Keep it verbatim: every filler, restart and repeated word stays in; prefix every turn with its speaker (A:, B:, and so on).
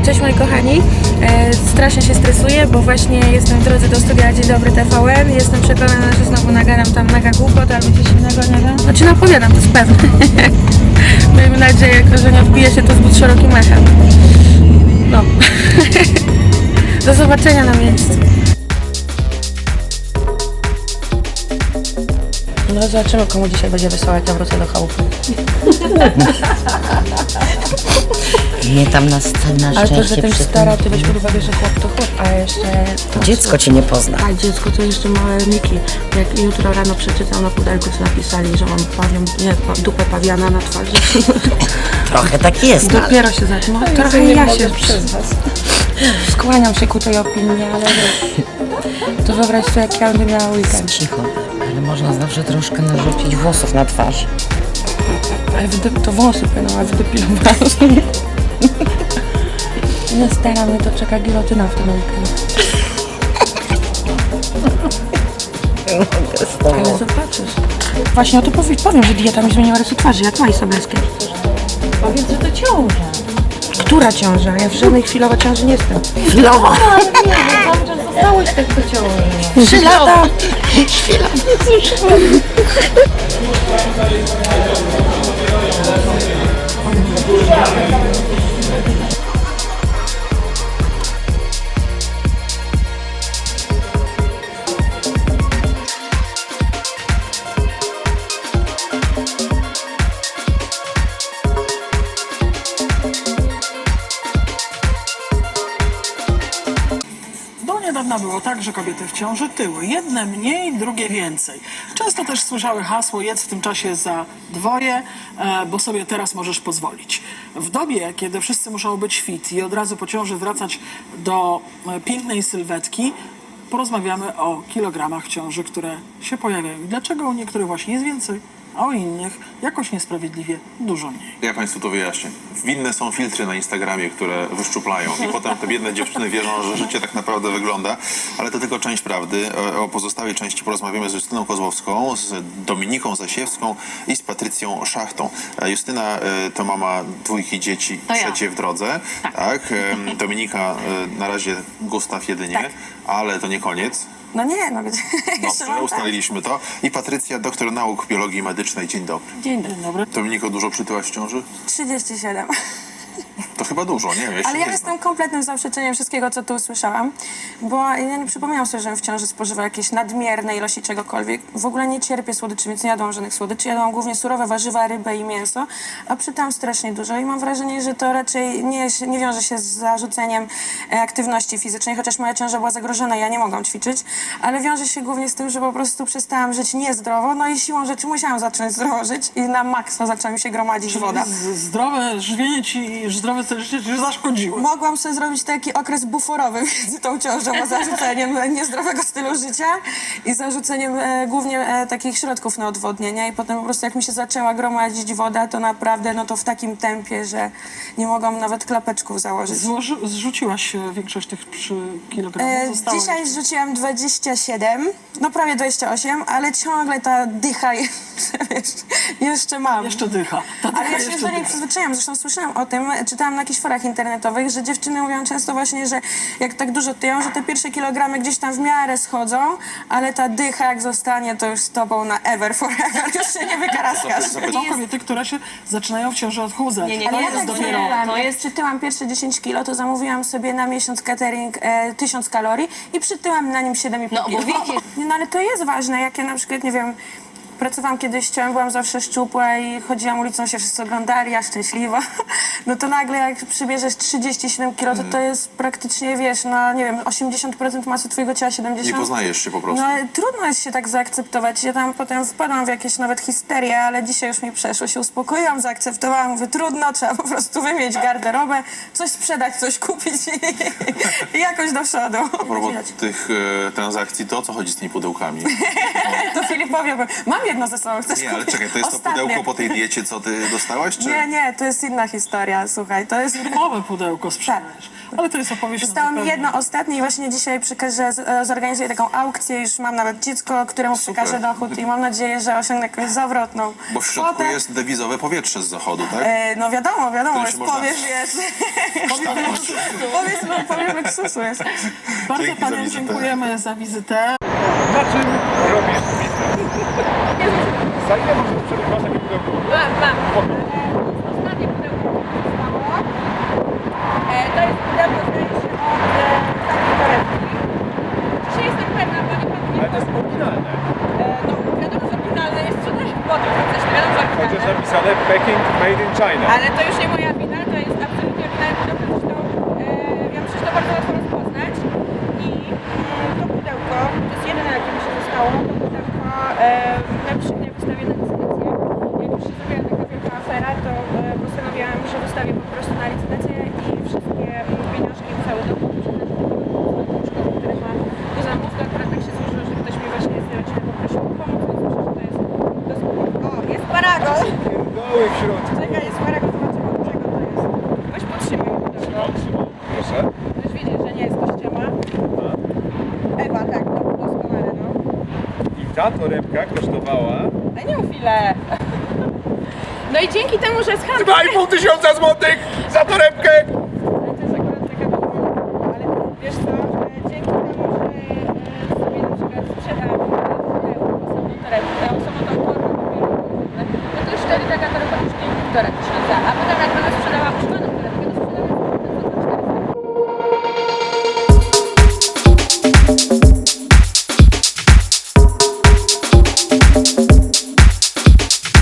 A: Cześć moi kochani, e, strasznie się stresuję, bo właśnie jestem w drodze do studia Dzień Dobry T V N. Jestem przekonana, że znowu nagadam tam mega głupot albo coś innego, nie wiem. Znaczy napowiadam, to jest pewne. Miejmy nadzieję, że nie odbije się to zbyt szerokim echem. No. Do zobaczenia na miejscu. No zobaczymy, komu dzisiaj będzie wesoło, jak ja wrócę do chałupy.
B: Nie tam na, na
A: Ale
B: szczęście
A: to, że ten
B: przy
A: stara,
B: tym...
A: ty weź pod uwagę, że chłop to chłop, a jeszcze...
B: Dziecko cię nie pozna.
A: A dziecko to jeszcze małe Miki. Jak jutro rano przeczytał na pudelku, co napisali, że mam pawią, nie, pa, dupę pawiana na twarzy.
B: Trochę tak jest.
A: Dopiero się zaczyna. No, trochę ja się przez was. Skłaniam się ku tej opinii, ale to wyobraź sobie, jak ja będę miała weekend.
B: Cicho, ale można zawsze troszkę narzucić włosów na twarz.
A: Ale wydep- to włosy płyną, a wydepilowałam. Nie stara mnie, to czeka gilotyna w tym weekend. Ale zobaczysz. Właśnie o to powie- powiem, że dieta mi zmieniła rysy twarzy, jak Maj Sobieskiej.
C: Powiedz, że to ciąża.
A: Która ciąża? Ja w żadnej chwilowej ciąży nie jestem.
B: Chwilowo.
C: Ale nie, że cały czas zostałeś tak do ciąży.
A: Trzy lata!
D: Do niedawna było tak, że kobiety w ciąży tyły. Jedne mniej, drugie więcej. Często też słyszały hasło jedz w tym czasie za dwoje, e, bo sobie teraz możesz pozwolić. W dobie, kiedy wszyscy muszą być fit i od razu po ciąży wracać do e, pięknej sylwetki, porozmawiamy o kilogramach w ciąży, które się pojawiają. I dlaczego u niektórych właśnie jest więcej, a u innych jakoś niesprawiedliwie dużo mniej.
E: Ja Państwu to wyjaśnię. Winne są filtry na Instagramie, które wyszczuplają i potem te biedne dziewczyny wierzą, że życie tak naprawdę wygląda, ale to tylko część prawdy. O- O pozostałej części porozmawiamy z Justyną Kozłowską, z Dominiką Zasiewską i z Patrycją Szachtą. E, Justyna e, to mama dwójki dzieci,
C: To ja.
E: trzecie w drodze. Tak. Em, Dominika e, na razie Gustaw jedynie,
A: Tak.
E: ale to nie koniec.
A: No nie, no gdzie? Jeszcze
E: Dobrze,
A: mam tak.
E: ustaliliśmy to. I Patrycja, doktor nauk biologii medycznej. Dzień dobry.
A: Dzień dobry.
D: Dobry.
E: Dominiko, dużo przytyłaś w ciąży?
A: trzydzieści siedem.
E: To chyba dużo, nie wiem. Ja się
A: Ale ja
E: nie
A: jestem
E: znam.
A: kompletnym zaprzeczeniem wszystkiego, co tu usłyszałam, bo ja nie przypominam sobie, żebym w ciąży spożywała jakieś nadmierne ilości czegokolwiek. W ogóle nie cierpię słodyczy, więc nie jadłam żadnych słodyczy. Jadłam głównie surowe warzywa, rybę i mięso, a przytam strasznie dużo i mam wrażenie, że to raczej nie, nie wiąże się z zarzuceniem e, aktywności fizycznej, chociaż moja ciąża była zagrożona, ja nie mogłam ćwiczyć, ale wiąże się głównie z tym, że po prostu przestałam żyć niezdrowo, no i siłą rzeczy musiałam zacząć zdrowo żyć i na maksa zaczęła mi się gromadzić woda.
D: Z- Zdrowe żywienie ci, zdrowe styl życia ci zaszkodziło.
A: Mogłam sobie zrobić taki okres buforowy między tą ciążą a zarzuceniem e, niezdrowego stylu życia i zarzuceniem e, głównie e, takich środków na odwodnienie i potem po prostu jak mi się zaczęła gromadzić woda, to naprawdę no to w takim tempie, że nie mogłam nawet klapeczków założyć.
D: Złoży, zrzuciłaś e, większość tych przy kilogramów?
A: E,
D: Zostało
A: dzisiaj
D: jeszcze.
A: zrzuciłam dwadzieścia siedem, no prawie dwadzieścia osiem, ale ciągle ta dycha jeszcze, wiesz, jeszcze mam.
D: Jeszcze dycha. Ta dycha
A: Ale ja się
D: jeszcze
A: do niej
D: dycha.
A: przyzwyczaiłam, zresztą słyszałam o tym, czytałam na jakichś forach internetowych, że dziewczyny mówią często właśnie, że jak tak dużo tyją, że te pierwsze kilogramy gdzieś tam w miarę schodzą, ale ta dycha jak zostanie, to już z tobą na ever, forever, już się nie wykaraskasz.
D: Są kobiety, które się zaczynają w ciąży odchudzać.
C: Nie, nie,
D: to
C: nie,
D: jest
C: tak
D: dopiero...
C: nie.
A: To
C: To
A: jest,
C: jest-
A: przytyłam pierwsze dziesięć kilo, to zamówiłam sobie na miesiąc catering e, tysiąc kalorii i przytyłam na nim siedem i pół
C: No, bo
A: kilo.
C: wiecie-
A: Nie, no ale to jest ważne, jak ja na przykład, nie wiem, pracowałam kiedyś, ciałem, byłam zawsze szczupła i chodziłam ulicą, się wszyscy oglądali, ja szczęśliwa. No to nagle jak przybierzesz trzydzieści siedem kilo, to to jest praktycznie, wiesz, no nie wiem, osiemdziesiąt procent masy twojego ciała, siedemdziesiąt
E: Nie poznajesz się po prostu.
A: No ale trudno jest się tak zaakceptować. Ja tam potem wpadłam w jakieś nawet histerie, ale dzisiaj już mi przeszło, się uspokoiłam, zaakceptowałam, mówię, trudno, trzeba po prostu wymienić garderobę, coś sprzedać, coś kupić i, i jakoś do przodu.
E: A propos tych e, transakcji, to o co chodzi z tymi pudełkami?
A: To Filipowi powiem, mam jedno ze sobą. Chcesz
E: Nie, ale
A: kupić?
E: czekaj, to jest to
A: Ostatnie.
E: pudełko po tej diecie, co ty dostałaś, czy?
A: Nie, nie, to jest inna historia, słuchaj, to jest...
D: Firmowe pudełko sprzedajesz. Ale to jest opowieść na
A: Zostało mi
D: zupełnie-
A: jedno ostatnie i właśnie dzisiaj przekażę, z- zorganizuję taką aukcję, już mam nawet dziecko, któremu
E: Super.
A: przekażę dochód i mam nadzieję, że osiągnę jakąś zawrotną
E: Bo w środku
A: kwotę.
E: jest dewizowe powietrze z zachodu, tak?
A: E, no wiadomo, wiadomo,
E: Którym
A: jest
E: się można-
A: powiew, jest... Powiedz, no, powiew luksusu jest.
D: Bardzo
E: Dzięki za
D: paniom
E: wizytę.
D: dziękujemy za wizytę.
F: Na czym robisz biznes? Za ile możesz przebyć masz takie pudełko?
C: Mam, mam. Ostatnie pudełko zostało. E, to jest pudełko, zdaje się, od e, takiej torebki. Czy jestem pewna, bo nie pamiętam.
F: Ale to jest oryginalne.
C: E, no, wiadomo, że oryginalne jest sprzedaż w Bodu, przecież wiadomo, że
F: Chociaż
C: oryginalne.
F: napisane Packing Made in China.
C: Ale to już nie moja wina, to jest absolutnie oryginalne pudełko, zresztą e, ja myślę, że to bardzo łatwo rozpoznać. I mm, to pudełko, to jest jedyne, jakie mi się zostało, to pudełko e, na przy mnie wystawię na licytację. Jak już się zrobiła taka wielka afera, to e, postanowiłam, że wystawię po prostu na licytację i wszystkie mm, pieniążki, cały dochód przekażę do szkoły, które ma do zamów. To akurat tak się złożyło, że ktoś mi właśnie z rodziny poprosił o pomoc, więc myślę, że to jest dosyć... O, jest paragon!
F: Doły w środku.
C: Czekaj, jest paragon, zobaczymy od czego to jest. Weź podtrzymaj pudełko.
F: Trzymam. Proszę.
C: Chcesz wiedzieć, że nie jest to ściema? Ewa, tak, no, doskonale, no.
F: I ta torebka kosztowała
C: Ale nie mów ile. No i dzięki temu, że jest handel...
F: dwa i pół tysiąca złotych za torebkę!